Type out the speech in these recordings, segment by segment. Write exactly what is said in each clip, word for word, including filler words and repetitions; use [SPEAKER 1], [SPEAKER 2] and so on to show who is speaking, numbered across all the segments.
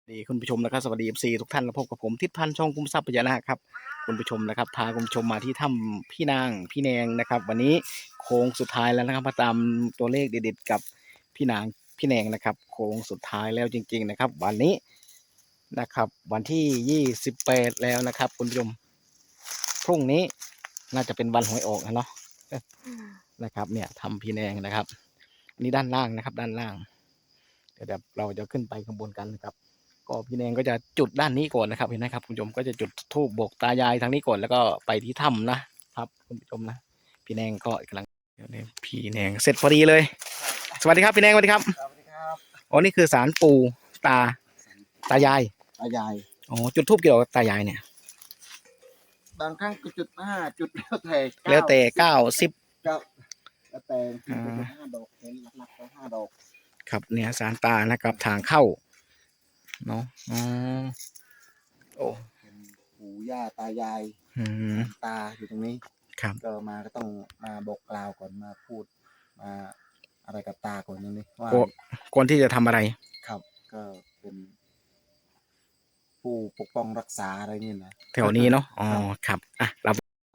[SPEAKER 1] ดีคุณผู้ชมนะครับสวัสดีเอฟซีทุกท่านพบกับผมทิศพันธ์ช่องคุ้มทรัพย์พญานาคครับคุณผู้ชมนะครับพาคุณผู้ชมมาที่ถ้ำพี่นางพี่แนงนะครับวันนี้โค้งสุดท้ายแล้วนะครับมาตามตัวเลขเด็ดๆกับพี่นางพี่แนงนะครับโค้งสุดท้ายแล้วจริงๆนะครับวันนี้นะครับวันที่ยี่สิบแปดแล้วนะครับคุณผู้ชมพรุ่งนี้น่าจะเป็นวันหวยออกนะเนาะนะครับเนี่ยทำพี่แนงนะครับนี่ด้านล่างนะครับด้านล่างเดี๋ยวเราจะขึ้นไปข้างบนกันนะครับก็พี่แนงก็จะจุดด้านนี้ก่อนนะครับเห็นไหมครับคุณผู้ชมก็จะจุดธูปบอกตายายทางนี้ก่อนแล้วก็ไปที่ถ้ำนะครับคุณผู้ชมนะพี่แนงก็กำลังพี่แนงเสร็จพอดีเลยสวัสดีครับพี่แนงสวัสดีครับ
[SPEAKER 2] สวัสดีครับ
[SPEAKER 1] อ๋อนี่คือศาลปู่ตาตายาย
[SPEAKER 2] ตายาย
[SPEAKER 1] อ๋อจุดธูปเกี่ยวกับตายายเนี่ย
[SPEAKER 2] บางครั้งก็จุดห้าจุดแล้วแต่
[SPEAKER 1] แล้วแต่เก้าสิบ
[SPEAKER 2] เก้าแล้วแต่จุดห้าดอกเห็นหลักๆก็ห้าดอก
[SPEAKER 1] ครับเนี่ยศาลตานะครับทางเข้าเนาะอ๋อโอ้
[SPEAKER 2] เป็นปู่ย่าตายาย
[SPEAKER 1] อืม
[SPEAKER 2] ตาอยู่ตรงนี้
[SPEAKER 1] ครับ
[SPEAKER 2] ก็มาก็ต้องมาบอกกล่าวก่อนมาพูดมาอะไรกับตาก่อนตรงนี้ว่า
[SPEAKER 1] ก่อนที่จะทำอะไร
[SPEAKER 2] ครับก็เป็นผู้ปกป้องรักษาอะไรนี่นะ
[SPEAKER 1] แถวนี้เนาะอ๋อครับอ่ะเรา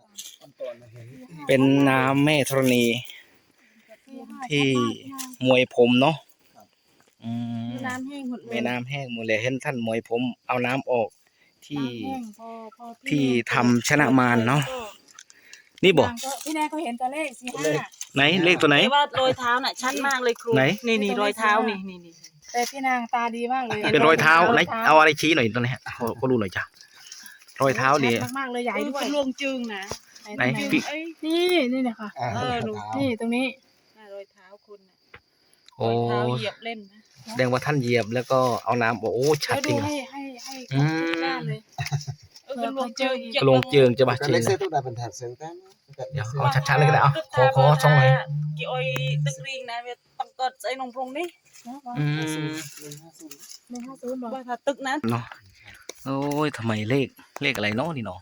[SPEAKER 1] เป็นน้ำแม่ธรณีที่มวยผมเนาะ
[SPEAKER 3] น้ำแห้งหมดเลย
[SPEAKER 1] แม่น้ำแห้งหมดเลยเห็นท่านมวยผมเอาน้ำออกที่ที่ทำชนะมารเนาะนี่บอก
[SPEAKER 3] พี่แนนก็เห็นตัวเลขสี่ห้า
[SPEAKER 1] ไหนเลขตัวไหน
[SPEAKER 3] ว่ารอยเท้าน่ะชัดมากเลยครู
[SPEAKER 1] ไหน
[SPEAKER 3] นี่นี่รอยเท้านี่นี่นี่แต่พี่นางตาดีมากเลย
[SPEAKER 1] เป็นรอยเท้าไหนเอาอะไรชี้หน่อยตัวนี้ก็รู้หน่อยจ้ะรอยเท้าดี
[SPEAKER 3] มากเลยใหญ่ด้วยลวงจึงนะ
[SPEAKER 1] ไหน
[SPEAKER 3] นี่นี่เนี่ยค่ะเออนี่ตรงนี้รอยเท้าคุณ
[SPEAKER 1] โอ้
[SPEAKER 3] เท้าเหยียบเล่นนะ
[SPEAKER 1] แสดงว่าท่านเหยียบแล้วก็เอาน้ำโอ้ชัดจริง
[SPEAKER 3] ให้ให้ให้หน้าเลยเออลวงเจิง
[SPEAKER 1] ลวงเจิงจะบาดเจ็บ
[SPEAKER 2] นะเดี๋
[SPEAKER 1] ยวเอาชัดๆเลยก็ได้เอาขอขอช่องหน่อย
[SPEAKER 3] กี่อ้อยตึกริงนะเวทต้องกดใส่นมพรงนี่
[SPEAKER 1] อืม
[SPEAKER 3] หนึ่งห้าศูนย์บอกว่าถ้าตึกนั้น
[SPEAKER 1] เนาะโอ้ยทำไมเลขเลขอะไรเนาะนี่เนาะ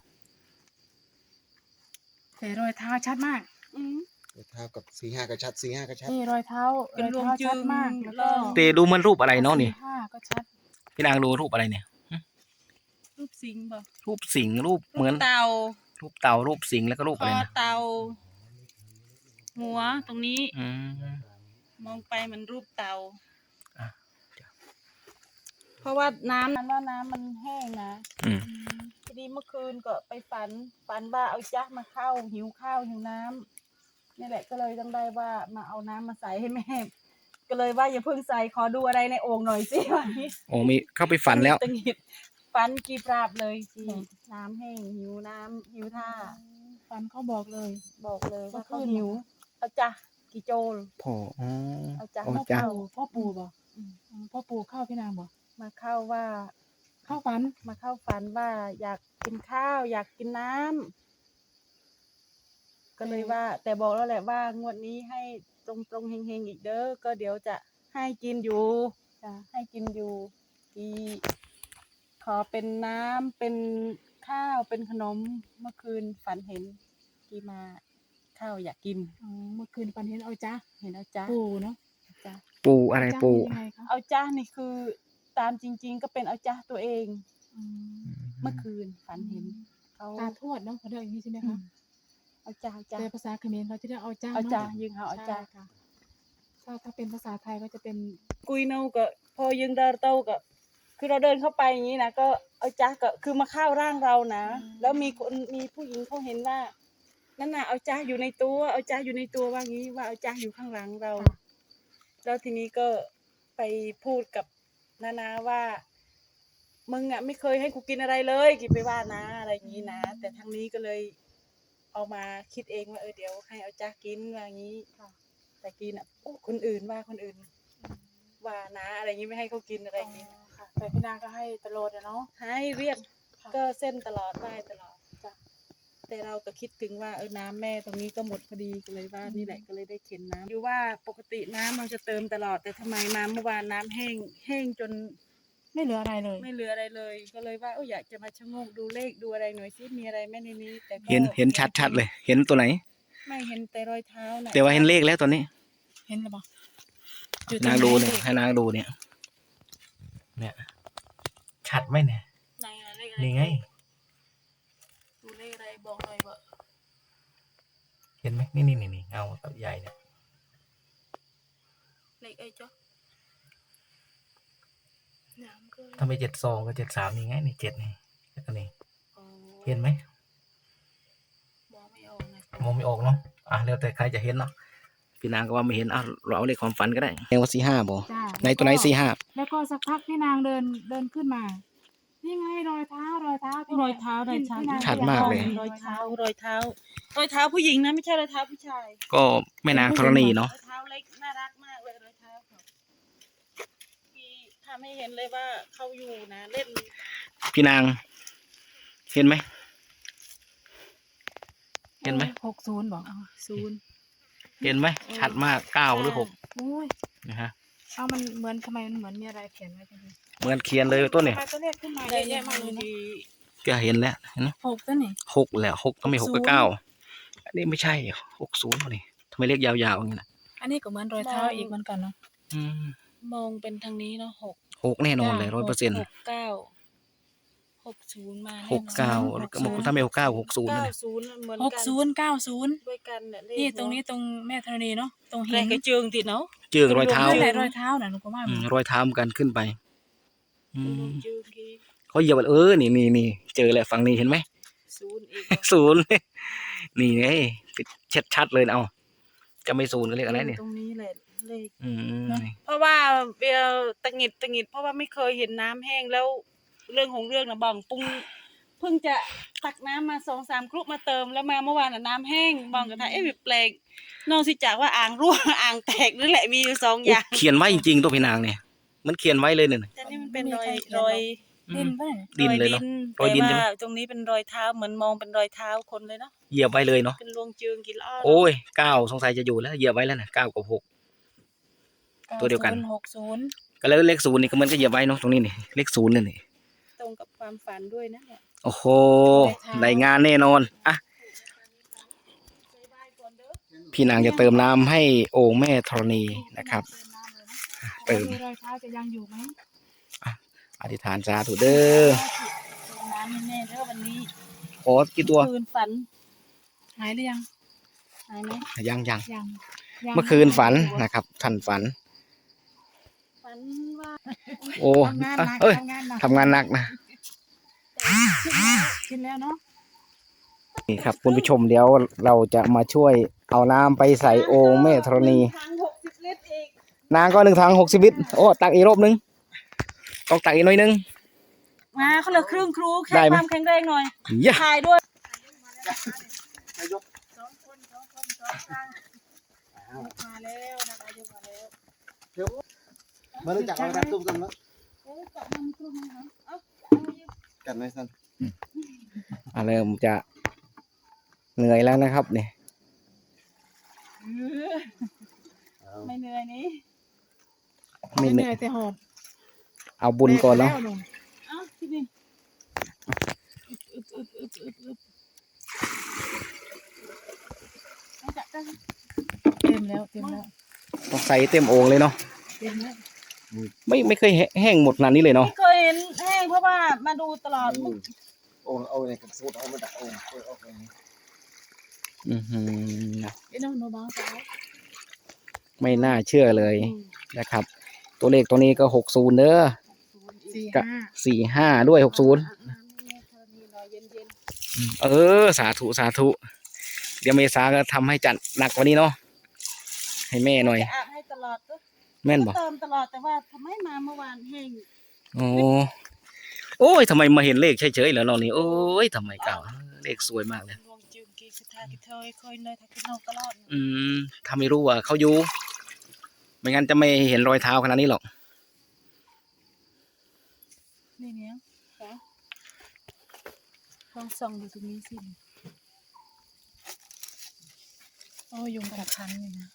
[SPEAKER 3] แต่รอยเท้าชัดมากอืม
[SPEAKER 2] รอยเท้ากับสี่ห้าก็ชัดสี่ห้าก็ชัด
[SPEAKER 3] นี่รอยเท้าเป็นรอยเท้าชัดมากแล้วก็
[SPEAKER 1] เตดูมันรูปอะไรเนาะนี่
[SPEAKER 3] ห้าก็ชัด
[SPEAKER 1] พี่นางดูรูปอะไรเนี่ย
[SPEAKER 3] รูปสิงบ่
[SPEAKER 1] รูปสิงรูปเหมือน
[SPEAKER 3] เต่า
[SPEAKER 1] รูปเต่ารูปสิงแล้วก็รูปอะไรนะ
[SPEAKER 3] เต่าหัวตรงนี้
[SPEAKER 1] อืม
[SPEAKER 3] มองไปเหมือนรูปเต่าเพราะว่าน้ำนั้นว่าน้ำมันแห้งนะทีนี้เมื่อคืนก็ไปฝันฝันว่าเอาจ๊ะมาเข้าหิวข้าวหิวน้ำนี่แหละก็เลยต้องได้ว่ามาเอาน้ำมาใส่ให้แม่ก็เลยว่าอย่าเพิ่งใส่ขอดูอะไรในโอ่งหน่อยสิวันนี้
[SPEAKER 1] โอ้มีเข้าไปฝันแล้ว
[SPEAKER 3] ตึงหิดฝันกีปราบเลยจีน้ำแห้งหิวน้ำหิวท่าฝันเขาบอกเลยบอกเลยว่าเขาหิวเอาจ้ะกี่โจล
[SPEAKER 1] พ่ออ๋อ
[SPEAKER 3] เอาจ้ะพ่อปู่พ่อปู่บอกพ่อปู่เข้าพี่นางบอกมาเข้าว่าเข้าฝันมาเข้าฝันว่าอยากกินข้าวอยากกินน้ำก็เลยว่าแต่บอกแล้วแหละว่างวดนี้ให้ตรงตรงเฮงๆอีกเด้อก็เดี๋ยวจะให้กินอยู่จะให้กินอยู่ที่ขอเป็นน้ำเป็นข้าวเป็นขนมเมื่อคืนฝันเห็นที่มาข้าวอยากกินเมื่อคืนฝันเห็นเอาจ้าเห็นเอาจ้าปูเนาะจ้า
[SPEAKER 1] ปูอะไรปู
[SPEAKER 3] เอาจ้านี่คือตามจริงๆก็เป็นเอาจ้าตัวเองเมื่อคืนฝันเห็นเขาตาทวดเนาะเขาเรียกอย่างนี้ใช่ไหมคะเอาจ้าจ้าแต่ภาษาเขมรเขาจะเรียกเอาจ้าเอาจ้ายิงเขาเอาจ้าค่ะถ้าถ้าเป็นภาษาไทยก็จะเป็นกุยเนาก็พอยิงเดินเต้าก็คือเราเดินเข้าไปอย่างนี้นะก็เอาจ้าก็คือมาเข้าร่างเรานะแล้วมีคนมีผู้หญิงเขาเห็นว่านั่นน่ะเอาจ้าอยู่ในตัวเอาจ้าอยู่ในตัวว่างี้ว่าเอาจ้าอยู่ข้างหลังเราแล้วทีนี้ก็ไปพูดกับนานาว่ามึงอ่ะไม่เคยให้กูกินอะไรเลยกินไปว่านะอะไรอย่างนี้นะแต่ทางนี้ก็เลยเอามาคิดเองว่าเออเดี๋ยวให้เอาจ้ากินว่างี้แต่กินอ่ะคนอื่นว่าคนอื่นว่านะอะไรอย่างนี้ไม่ให้เขากินอะไรอย่างนี้แต่พี่นางก็ให้ตลอดเนาะให้เรียกก็เส้นตลอดไหว้ตลอดจ้ะแต่เราก็คิดถึงว่าเออน้ำแม่ตรงนี้ก็หมดพอดีก็เลยว่านี่แหละก็เลยได้เข็นน้ำอยู่ว่าปกติน้ำเราจะเติมตลอดแต่ทำไมมาเมื่อวานน้ำแห้งแห้งจนไม่เหลืออะไรเลยไม่เหลืออะไรเลยก็เลยว่าเอออยากจะมาชะโงกดูเลขดูอะไรหน่อยซิมีอะไรไหมในนี้แต่
[SPEAKER 1] เห็นเห็นชัดๆเลยเห็นตัวไหน
[SPEAKER 3] ไม่เห็นแต่รอยเท้านะ
[SPEAKER 1] แต่ว่าเห็นเลขแล้วตอนนี้
[SPEAKER 3] เห็นหรือเปล่า
[SPEAKER 1] นางดูเนี่ยให้นางดูเนี่ยเนี่ยไหมเนี่ย
[SPEAKER 3] ไหนอะเลขอะไร
[SPEAKER 1] นี่ไง
[SPEAKER 3] ดูเลขอะไรบอกหน่อยว่า
[SPEAKER 1] เห็นไหมนี่นี่นี่เงาตับใหญ่เนี่ย
[SPEAKER 3] เลขไอ้จ๊ะน้ำก็
[SPEAKER 1] ถ้าไม่เจ็ดสองก็เจ็ดสามนี่ไงนี่เจ็ดนี่แล้วก็นี่
[SPEAKER 3] อ๋อ
[SPEAKER 1] เห็นไหม
[SPEAKER 3] มองไม่ออกนะ
[SPEAKER 1] มองไม่ออกเนาะอ่ะแล้วแต่ใครจะเห็นเนาะพี่นางก็ว่าไม่เห็นอ่ะเราเอาเลขความฝันก็ได้แงว่าสี่ห้าบ่
[SPEAKER 3] จ้า
[SPEAKER 1] ในตัวไหนสี่ห้า
[SPEAKER 3] แล้วก็สักพักพี่นางเดินเดินขึ้นมานี่ไงรอยเท้ารอยเท้าที่
[SPEAKER 4] รอยเท้ารอยเท้า
[SPEAKER 3] พี่นง
[SPEAKER 1] ชัดมากเลย
[SPEAKER 4] รอยเท้ารอยเท้ารอยเท้าผู้หญิงนะไม่ใช่รอยเท้าผู้ชาย
[SPEAKER 1] ก็แม่นางธรณีเนาะ
[SPEAKER 4] รอยเท้าเล็กน่ารักมากเลยรอยเท้าเขาที่ทำให้เห็นเลยว่าเขาอยู่นะเล่น
[SPEAKER 1] พี่นางเห็นไหมเห็นไหม
[SPEAKER 3] หกศูนย์บอก
[SPEAKER 4] อ๋อศูนย์
[SPEAKER 1] เห็นไหมชัดมากเก้าหรือหก
[SPEAKER 3] โอ้ย
[SPEAKER 1] นะฮะ
[SPEAKER 3] เอามันเหมือนทำไมมันเหมือนมีอะไรเขียนไว้จังเลย
[SPEAKER 1] เหมือนเขียนเลยต้นเนี่ย
[SPEAKER 3] ทำไมตัวเลขขึ้นมาเย
[SPEAKER 4] ได้
[SPEAKER 3] อะ
[SPEAKER 4] แยะ
[SPEAKER 3] แยะมากเลยเนอะ
[SPEAKER 4] ดี
[SPEAKER 1] ก็เห็นแล้วเห็นไหม
[SPEAKER 3] หกตัวนี่
[SPEAKER 1] หกแหละหกก็ไม่หกก็เก้าอันนี้ไม่ใช่หกศูนย์นี่ทำไมเลขยาวๆอย่างนี้นะ
[SPEAKER 3] อันนี้ก็เหมือนรอยเท้าอีกเหมือนกันเนาะ
[SPEAKER 1] อืม
[SPEAKER 4] มองเป็นทางนี้เนาะหก
[SPEAKER 1] หกแน่นอนเลยร้อยเปอร์เซ็นต์
[SPEAKER 4] หกเก้าหกศูนย์มาแน่นอน
[SPEAKER 1] หกเก้าถ้าไม่หกเก้าหกศูนย์
[SPEAKER 4] เก้า
[SPEAKER 1] เลย
[SPEAKER 4] ศูนย์เหมือน
[SPEAKER 3] หก
[SPEAKER 4] กัน
[SPEAKER 3] ศูนย์เก้าศูนย์
[SPEAKER 4] ด้วยกันเนี่ยเลข
[SPEAKER 3] นี่ตรงนี้ตรงแม่ธรณีเนาะตรง
[SPEAKER 4] แร
[SPEAKER 3] หิ
[SPEAKER 4] ก
[SPEAKER 3] น
[SPEAKER 4] กระเจิงติดเนาะ
[SPEAKER 1] เจืองรอยเท้า
[SPEAKER 3] นั่นแหละรอยเท้าน่ะหนูก็ว่า
[SPEAKER 1] อืมรอยเท้าเหมือนกันขึ้นไปอืม
[SPEAKER 4] เจิงกี่
[SPEAKER 1] เขาเหยียบเออนี่นี่นี่เจอแหละฝั่งนี้เห็นไหม
[SPEAKER 4] ศูนย์อีก
[SPEAKER 1] ศูนย์ นี่ไงชัดชัดๆเลยนะเอาจะไม่ศูนย์ก็เรียกอะไรเนี่ย
[SPEAKER 4] ตรงนี้แหละเลข
[SPEAKER 1] อืมนี่
[SPEAKER 4] เพราะว่าเบลตะหงิดตะหงิดเพราะว่าไม่เคยเห็นน้ำแห้งแล้วเรื่องของเรื่องนะบังปุงเพิ่งจะตักน้ำมาสองสามครุมาเติมแล้วมาเมื่อวานน่ะน้ำแห้งบังกับทายเอ๊ะแปลกนอกจากว่าอ่างรั่ว อ่างแตกนั่นแหละมีอยู่สองอย่าง
[SPEAKER 1] เขียนไว้จริงๆตัวพี่นางเนี่ยมันเขียนไว้เลยเนี่ย
[SPEAKER 4] แต่นี่มันเป็นรอยรอย
[SPEAKER 3] ดินป่ะเนี่ย
[SPEAKER 1] ดินเลยเนาะ ร
[SPEAKER 4] ร
[SPEAKER 1] อ
[SPEAKER 4] อย ย
[SPEAKER 1] ดิ
[SPEAKER 4] ดิ
[SPEAKER 1] น
[SPEAKER 4] น
[SPEAKER 1] ใช่ไหม
[SPEAKER 4] แต่ว่าตรงนี้เป็นรอยเท้าเหมือนมองเป็นรอยเท้าคนเลยเนาะ
[SPEAKER 1] เหยียบไว้เลยเนาะ
[SPEAKER 4] เป็นรวงจืงกี่ล้อ
[SPEAKER 1] โอ้ยเก้าสงสัยจะอยู่แล้วเหยียบไว้แล้วนะเก้ากับหก ตัวเดียวกัน
[SPEAKER 3] หกศูนย์
[SPEAKER 1] ก็แล้วเลขศูนย์นี่ก็เหมันก็เหยียบไว้เนาะตรงนี้นี่เลขศูนย์นี่นี่
[SPEAKER 4] ตรงกับความฝันด้วยนะเนี่ย
[SPEAKER 1] โอ้โหได้งานแน่นอนอ่ะพี่นางจะเติมน้ำให้โอ่งแม่ธรณีนะครับ
[SPEAKER 3] เติม
[SPEAKER 1] เติม
[SPEAKER 3] รอยเท้าจะยังอยู่ไหม
[SPEAKER 1] อธิษฐานสาธุเด้อ
[SPEAKER 4] ตรงน้ำแน่ๆแล้ววันนี้
[SPEAKER 1] โอ้กี่ตัว
[SPEAKER 4] คืนฝัน
[SPEAKER 3] หายหรือยัง
[SPEAKER 4] หายไหม
[SPEAKER 1] ยังยัง
[SPEAKER 3] ยังยัง
[SPEAKER 1] เมื่อคืนฝันนะครับท่านฝัน
[SPEAKER 4] ฝันว่า
[SPEAKER 1] โอ้
[SPEAKER 3] ทำงาน
[SPEAKER 1] อ่ะ
[SPEAKER 3] หนัก
[SPEAKER 1] เอ้ย
[SPEAKER 3] ทำงานหนัก
[SPEAKER 1] ทำงานหนักนะ
[SPEAKER 3] กินแล้วเนาะ
[SPEAKER 1] นี่ครับคุณผู้ชมเดี๋ยวเราจะมาช่วยเอาน้ำไปใส่โอ่งแม่ธรณี
[SPEAKER 4] ทางหกสิบลิตรอีก
[SPEAKER 1] นางก็หนึ่งถังหกสิบลิตรโอ้ตักอีกรอบนึงต้องตักอีกหน่อยนึง
[SPEAKER 4] มาเขาเหลือครึ่งครูแค่
[SPEAKER 1] ได้ไหม
[SPEAKER 4] ความแข็งแรงหน่อย
[SPEAKER 1] ย่า
[SPEAKER 4] ถ่ายด้วย
[SPEAKER 3] มาแล้วนะคะยกมาแล้ว
[SPEAKER 2] มาเลยจากเอารับตุ้มกันแล้ว
[SPEAKER 4] เออจับมันครึ่งนะคะเอ้า
[SPEAKER 2] กันไหมสัน
[SPEAKER 1] อ่ะเริ่มจะเหนื่อยแล้วนะครับเนี่ย
[SPEAKER 4] ไม่เหนื่อยนี้
[SPEAKER 1] ไม่
[SPEAKER 3] ไม่
[SPEAKER 1] เห
[SPEAKER 3] เห
[SPEAKER 1] นื่
[SPEAKER 3] นื่
[SPEAKER 1] อ
[SPEAKER 3] อย ยแต่หอบ
[SPEAKER 1] เอาบุญก่อนเนาะ
[SPEAKER 3] แบกไปแล้ว
[SPEAKER 4] เอ้าที่นี่
[SPEAKER 3] อึดอึดอึดอึดอึด
[SPEAKER 4] เอาจับได้
[SPEAKER 3] เต็มแล้วเต็มแล้ว
[SPEAKER 1] ต้องใส่เต็มโอ่งเลยเนาะ
[SPEAKER 3] เต็มแล้ว
[SPEAKER 1] ไม่ไม่เคยแห้งหมดขนาดนี้เลยเนาะ
[SPEAKER 4] ไม่เคยเห็นแห้งเพราะว่ามาดูตลอด
[SPEAKER 2] โอ้เอาเนี่ยกับสูตรเอามาดักโอ้เอาเอาไป
[SPEAKER 1] อือหือ
[SPEAKER 3] ไอ้น้องโนบ้าสาว
[SPEAKER 1] ไม่น่าเชื่อเลยนะครับ ตัวเลขตัวนี้ก็หกศูนย์เด้อ
[SPEAKER 3] สี่
[SPEAKER 1] กะ
[SPEAKER 3] ห้า
[SPEAKER 1] สี่ห้าด้วยหกศูนย์
[SPEAKER 4] เย็น
[SPEAKER 1] เออ สาธุสาธุ เดี๋ยวเมษาก็ทำให้จัดหนักกว่านี้เนาะให้แม่หน่อย
[SPEAKER 4] ๆจะอาบให้ตลอดก็
[SPEAKER 1] แม่นบอก
[SPEAKER 4] เติมตลอดแต่ว่าทำไมมาเมื่อวานแห้ง
[SPEAKER 1] โอ้โอ้ยทำไมมาเห็นเลขเฉยๆเหรอเรานี่โอ้ยทำไมเก่าเลขสวยมากเลย
[SPEAKER 4] รวงจืงกีสุดท้ายที่เธอเคยเลยถ้าคิดนอกตลอด
[SPEAKER 1] อืมถ้าไม่รู้ว่าเขาอยู่ ไม่งั้นจะไม่เห็นรอยเท้าขนาดนี้หรอก
[SPEAKER 4] นี่เนี้ยค่ะลองส่องดูตรงนี้สิ
[SPEAKER 3] โอ้ยุงกัดคันเลยนะ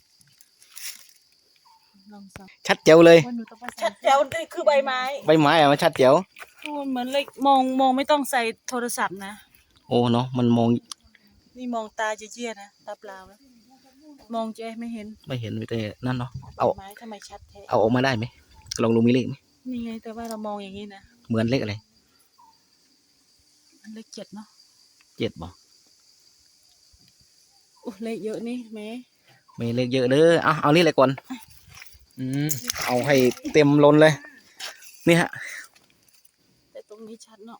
[SPEAKER 4] ลองส่อง
[SPEAKER 1] ชัดเจ๋วเลย
[SPEAKER 3] วันหนูต้องไปใส่
[SPEAKER 4] ชัดแจ๋วนี่คือใบไม้
[SPEAKER 1] ใบไม้อะมันชัดเจ๋ว
[SPEAKER 4] มันเหมือนเลยมองมองไม่ต้องใส่โทรศัพท์นะ
[SPEAKER 1] โอ้เนาะมันมอง
[SPEAKER 4] นี่มองตาเจี๊ยๆนะตาเปล่านะมองเจ๊ไม่เห็น
[SPEAKER 1] ไม่เห็นไม่แต่นั่นเนาะเอา
[SPEAKER 4] ไม้ทำไมชัดแท้
[SPEAKER 1] เอาออกมาได้ไหมลองดูมีเลขไหม
[SPEAKER 4] นี่ไงแต่ว่าเรามองอย่างนี้นะ
[SPEAKER 1] เหมือนเลขอะไร
[SPEAKER 4] อันเลขเจ็ดเนาะ
[SPEAKER 1] เจ็ดบ่
[SPEAKER 4] โอ้เลขเยอะนี่แม่
[SPEAKER 1] มีเลขเยอะเด้อเอาเอานี่เลยก่อนอืมเอาให้เต็มล้นเลยนี่ฮะ
[SPEAKER 4] แต่ตรงนี้ชัดเนาะ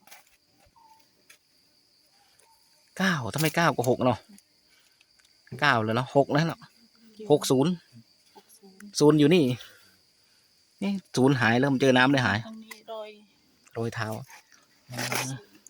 [SPEAKER 1] เก้าถ้าไม่เก้าก็หกเนาะเก้าเลยเนาะหกแล้วเนาะหกศูนย์
[SPEAKER 4] หกศูนย์
[SPEAKER 1] ศูนย์อยู่นี่นี่ศูนย์หายเริ่มเจอน้ำเลยหาย
[SPEAKER 4] ตรงนี้รอย
[SPEAKER 1] โรยเท้าอืม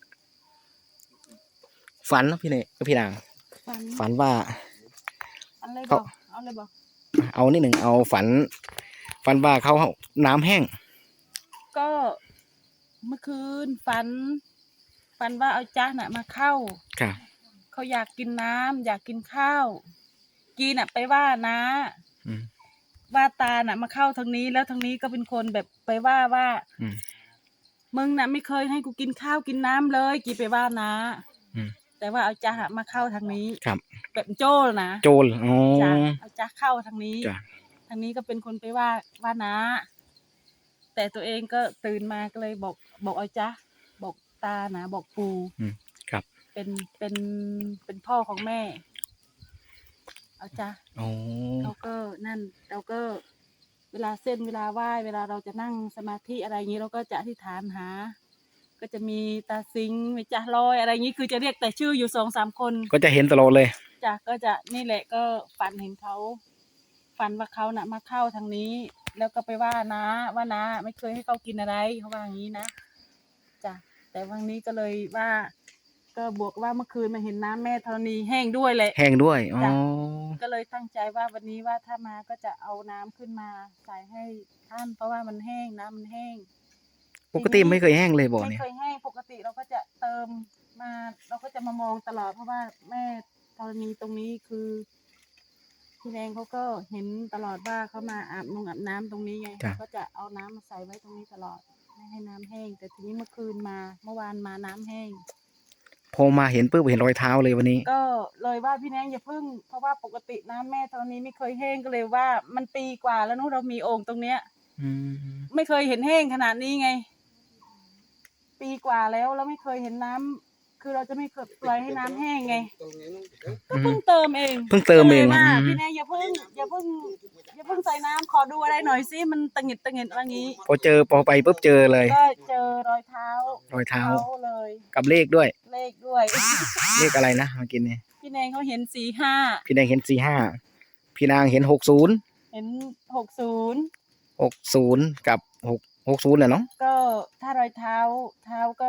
[SPEAKER 1] ฝันเนอะพี่เนยพี่นาง
[SPEAKER 4] ฟัน
[SPEAKER 1] ฝันว่า
[SPEAKER 4] อันเลยบ
[SPEAKER 1] เขา
[SPEAKER 4] อกเอาเลยบอก
[SPEAKER 1] เอานิดหนึ่งเอาฝัน ฝันว่าเขาน้ำแห้ง
[SPEAKER 4] ก็เมื่อคืนฝัน ฝันว่าเอาจ้าน่ะมาเข้า
[SPEAKER 1] ค่ะ
[SPEAKER 4] เขาอยากกินน้ำอยากกินข้าว กีน่ะไปว่านะ
[SPEAKER 1] อืม
[SPEAKER 4] ว่าตาน่ะมาเข้าทางนี้แล้วทางนี้ก็เป็นคนแบบไปว่าว่า
[SPEAKER 1] อืม
[SPEAKER 4] มึงน่ะไม่เคยให้กูกินข้าวกินน้ำเลยกีไปว่านะ
[SPEAKER 1] อืม
[SPEAKER 4] แต่ว่าเอาจ้ามาเข้าทางนี้
[SPEAKER 1] ครับ
[SPEAKER 4] แบบโจ้นะ
[SPEAKER 1] โจรอ๋อ
[SPEAKER 4] จ้ะเอาจ้าเข้าทางนี้
[SPEAKER 1] จ้ะ
[SPEAKER 4] ทางนี้ก็เป็นคนไปว่าว่านะ แต่ตัวเองก็ตื่นมาก็เลยบอกบอกเอาจ้าบอกตานะบอกปู
[SPEAKER 1] อืมครับ
[SPEAKER 4] เป็นเป็นเป็นพ่อของแม่ เอาจ้า
[SPEAKER 1] อ๋อ
[SPEAKER 4] เราก็นั่นเราก็เวลาเส้นเวลาไหว้เวลาเราจะนั่งสมาธิอะไรอย่างนี้เราก็จะอธิษฐานหา ก็จะมีตาสิงมีจ่าลอยอะไรอย่างนี้คือจะเรียกแต่ชื่ออยู่สองสามคน
[SPEAKER 1] ก็จะเห็นตลอดเลย
[SPEAKER 4] จ้ะก็จะนี่แหละก็ฝันเห็นเขาฝันว่าเขาน่ะมาเข้าทางนี้ แล้วก็ไปว่านะว่านะไม่เคยให้เขากินอะไรเขาว่าอย่างนี้นะจ้ะแต่วันนี้ก็เลยว่า ก็บวกว่าเมื่อคืนมาเห็นน้ำแม่ธรณีแห้งด้วยแหละ
[SPEAKER 1] แห้งด้วยอ๋อ
[SPEAKER 4] จ้ะ ก็เลยตั้งใจว่าวันนี้ว่าถ้ามาก็จะเอาน้ำขึ้นมาใส่ให้ท่านเพราะว่ามันแห้งน้ำมันแห้ง
[SPEAKER 1] ปกติไม่เคยแห้งเลยบ่อ
[SPEAKER 4] ไม่
[SPEAKER 1] เนี่ย
[SPEAKER 4] เคยแห้งปกติเราก็จะเติมมาเราก็จะมามองตลอดเพราะว่าแม่ธรณีตรงนี้คือพี่แดงเขาก็เห็นตลอดว่าเขามาอาบนงอาบน้ำตรงนี้ไงก็จะเอาน้ำมาใส่ไว้ตรงนี้ตลอดไม่ให้น้ำแห้ง แต่ทีนี้เมื่อคืนมาเมื่อวานมาน้ำแห้ง
[SPEAKER 1] พอมาเห็นปุ๊บเห็นรอยเท้าเลยวันนี้
[SPEAKER 4] ก็เลยว่าพี่แนงอย่าพึ่งเพราะว่าปกติน้ำแม่ตอนนี้ไม่เคยแห้งก็เลยว่ามันปีกว่าแล้วนู้นเรามีโอ่งตรงเนี้ย
[SPEAKER 1] อืม
[SPEAKER 4] ไม่เคยเห็นแห้งขนาดนี้ไง ปีกว่าแล้วเราไม่เคยเห็นน้ำคือเราจะไม่เคยปล่อยให้น้ำแห้งไงก็เพิ่งเติมเอง
[SPEAKER 1] เพิ่งเติมเอง
[SPEAKER 4] ก็ลยว่า
[SPEAKER 1] อืม
[SPEAKER 4] พี่แนงอย่าเพิ่งอย่าเพิ่งอย่าเพิ่งใส่น้ำขอดูอะไรหน่อยสิมันตะหงิดตะหงิดอะไรงี้
[SPEAKER 1] พอเจอพอไปปุ๊บเจอเลย
[SPEAKER 4] ก็เจอรอยเท้าร
[SPEAKER 1] อยเท้า
[SPEAKER 4] เขาเลย
[SPEAKER 1] กับเลขด้วย
[SPEAKER 4] เลขด้วย
[SPEAKER 1] เลขอะไรนะเมื่อกี้เนี่ย
[SPEAKER 4] พี่แนงเขาเห็นสี่ห้า
[SPEAKER 1] พี่แดงเห็นสี่ห้าพี่นางเห็นหกศูนย์
[SPEAKER 4] เห็นหกศูนย์
[SPEAKER 1] หกศูนย์กับหกหกศูนย์น่ะเนาะ
[SPEAKER 4] ก็ถ้ารอยเท้าเท้าก็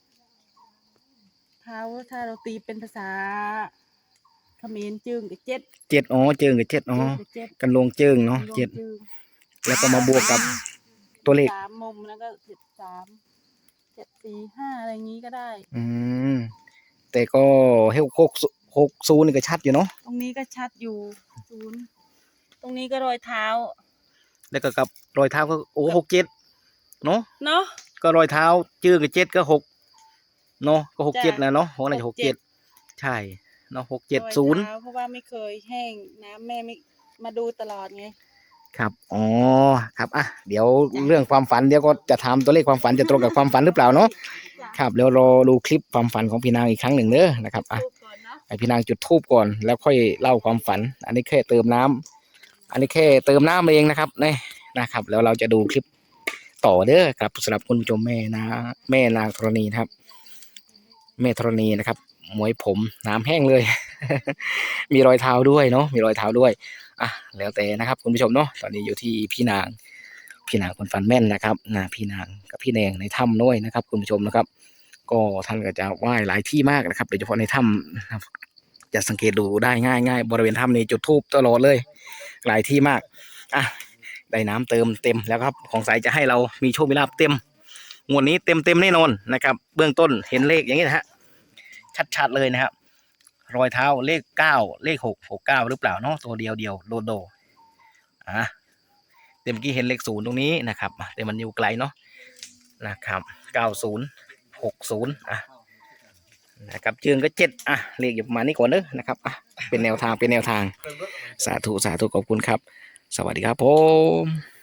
[SPEAKER 4] เท้าถ้าเราตีเป็นภาษาเขมรจึงกับเจ็ด
[SPEAKER 1] เจ็ดอ๋อเจิงกับเจ็ดอ๋อ
[SPEAKER 4] จึงกับเจ็ด
[SPEAKER 1] กันลงเจิงเนาะ
[SPEAKER 4] รวม
[SPEAKER 1] เจ็ด
[SPEAKER 4] จึง
[SPEAKER 1] แล้วก็มาบวกกับตัวเลข
[SPEAKER 4] สามมุมแล้วก็เจ็ดสามเจ็ดสี่ห้าอะไรอย่างนี้ก็ได้
[SPEAKER 1] อืมแต่ก็หกหกหกศูนย์นี่ก็ชัดอยู่เนาะ
[SPEAKER 4] ตรงนี้ก็ชัดอยู่ศูนย์ตรงนี้ก็รอยเท้า
[SPEAKER 1] แล้วก็กับรอยเท้าก็โอ้หกเจ็ดเนาะ
[SPEAKER 4] เนาะ
[SPEAKER 1] ก็รอยเท้าเจิงกับเจ็ดก็หกเนาะก็หกเจ็ด
[SPEAKER 4] จ้ะ
[SPEAKER 1] นะเนาะหกน่าจะหกเจ็ด
[SPEAKER 4] หกเจ็ด
[SPEAKER 1] ใช่เนาะหกเจ็ด
[SPEAKER 4] รอย
[SPEAKER 1] ศูนย์
[SPEAKER 4] เท้าเพราะว่าไม่เคยแห้งน้ำแม่ไม่มาดูตลอดไง
[SPEAKER 1] ครับอ๋อครับอ่ะเดี๋ยวเรื่องความฝันเดี๋ยวก็จะถามตัวเลขความฝันจะตรงกับความฝันหรือเปล่าเนาะครับเดี๋ยวรอดูคลิปความฝันของพี่นางอีกครั้งหนึ่งเด้อนะครับอ่ะ
[SPEAKER 4] ดูก่อนเนาะ
[SPEAKER 1] ให้พี่นางจุดธูปก่อนแล้วค่อยเล่าความฝัน อันนี้แค่เติมน้ำอันนี้แค่เติมน้ำเองนะครับนี่นะครับ แล้วเราจะดูคลิปต่อเด้อครับสำหรับคุณผู้ชมแม่นะแม่นางธรณีนะครับ แม่ธรณีนะครับหมวยผมน้ำแห้งเลย มีรอยเท้าด้วยเนาะมีรอยเท้าด้วยอ่ะแล้วแต่นะครับคุณผู้ชมเนาะตอนนี้อยู่ที่พี่นางพี่นางคนฟันแม่นนะครับนะพี่นางกับพี่แดงในถ้ำด้วยนะครับ คุณผู้ชมนะครับ ก็ท่านก็จะไหว้หลายที่มากนะครับโดยเฉพาะในถ้ำนะครับจะสังเกตดูได้ง่ายง่ายบริเวณถ้ำนี้จุดธูปตลอดเลย หลายที่มากอ่ะได้น้ำเติมเต็มแล้วครับของสายจะให้เรามีโชคมีลาภเต็มงวดนี้เต็มเต็มแน่นอนนะครับ เบื้องต้นเห็นเลขอย่างนี้นะฮะชัดๆเลยนะครับรอยเท้าเลขเก้าเลขหกหกเก้าหรือเปล่าเนาะตัวเดียวเดียวโดโดอ่ะเต็มกี้เห็นเลขศูนย์ตรงนี้นะครับแต่มันอยู่ไกลเนาะนะครับเก้าศูนย์หกศูนย์อ่ะนะครับเจืองก็เจ็ดอ่ะเลขอยู่ประมาณนี้ก่อนเนอะนะครับอ่ะเป็นแนวทางเป็นแนวทางสาธุสาธุขอบคุณครับสวัสดีครับผม